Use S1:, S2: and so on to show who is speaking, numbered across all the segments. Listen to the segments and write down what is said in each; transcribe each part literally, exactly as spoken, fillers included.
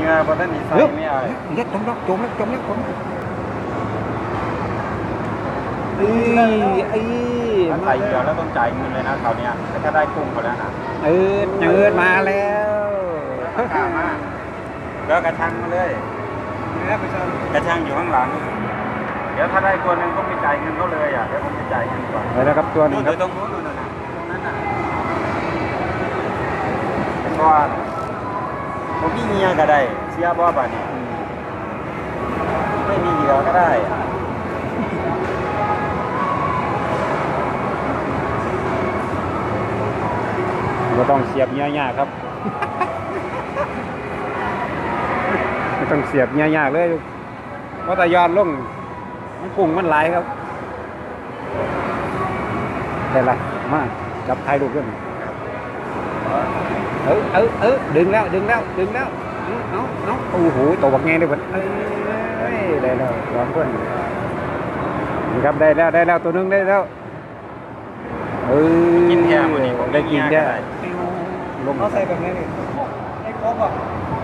S1: งื่อพอท่านนี่ใส่ไม่เอา
S2: เล็ดจมแล้วจมแล้วจมแล้วจมเอ้ยไอ้
S1: ถ้าใส่เดียวแล้วต้องจ่ายเงินเลยนะคราวนี้ถ้าได้กุ้งเขาแล้วนะ
S2: เออเจิดมาแล้ว
S1: กล้ามากแล้วกระชังมาเลยกระชังอยู่ข้างหลังเดี๋ยวถ้าได้ตัวหนึ่งก็ไม่จ่ายเงินเขาเลยอ่ะเดี๋ยวผมจะจ่ายเงินก่อน
S2: ไปแล้วครับตัวหนึงครับ
S1: ตรงนู้นนู่นน่ะตรงนั้นน่ะเป็นว่าผมมีเงียก็ได้เสียบ่ป่ะนี่ไม่มีเหยื่อก็ได้
S2: ไม่ต้องเสียบเงี้ยๆครับ ไม่ต้องเสียบเงี้ยๆเลยเพราะแต่ยอดลงมันกุ้งมันไหลายครับแต่ละมาจับไทยลูกขึ้นเออเออเออดึงแล้วดึงแล้วดึงแล้วเอาเอาโอ้โหตัวบักแงเลยเพิ่นเอ้ยได้แล้วสองคนนี่ครับได้แล้วได้แล้วตัวหนึงได้แล้วเออ
S1: กินแค่มื้อนี้ผม
S2: ได้กินแค่ลง
S3: เขาใส่แบบนี้นี่ไอ้ครบอ่ะ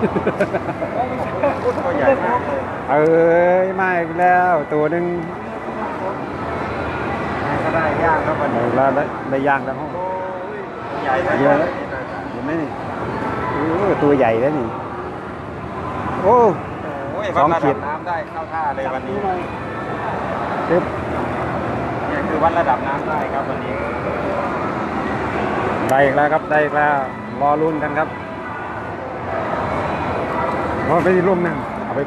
S1: ตัวใหญ่มากเลย
S2: เอ้ยมาอีกแล้วตัวหนึง
S1: ก็ได้ย่างแล้วมัน
S2: ได้แล้วได้ได้ย่างแล้วห้อง
S1: ใหญ่
S2: เยอะเห็นไหมนี่โอ้ตัวใหญ่แล้วนี่โอ้
S1: โอ้ยวัดระดับน้ำได้เข้าท่าเลยวันนี้
S2: ปึ๊บ
S1: เนี่ยคือวัดระดับน้ำได้ครับวันนี้
S2: ได้อีกแล้วครับได้อีกแล้วรอลุ้นกันครับรอไปร่มหนึ่งเอาไป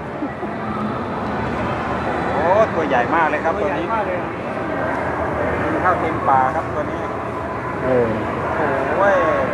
S1: โอ้ตัวใหญ่มากเลยครับ
S3: ตั
S1: ตัว ว
S3: ใหญ่
S1: นี้
S3: มากเลย
S1: กินข้าวเต็มป่าครับตัวนี้
S2: เออ
S1: โอ้ย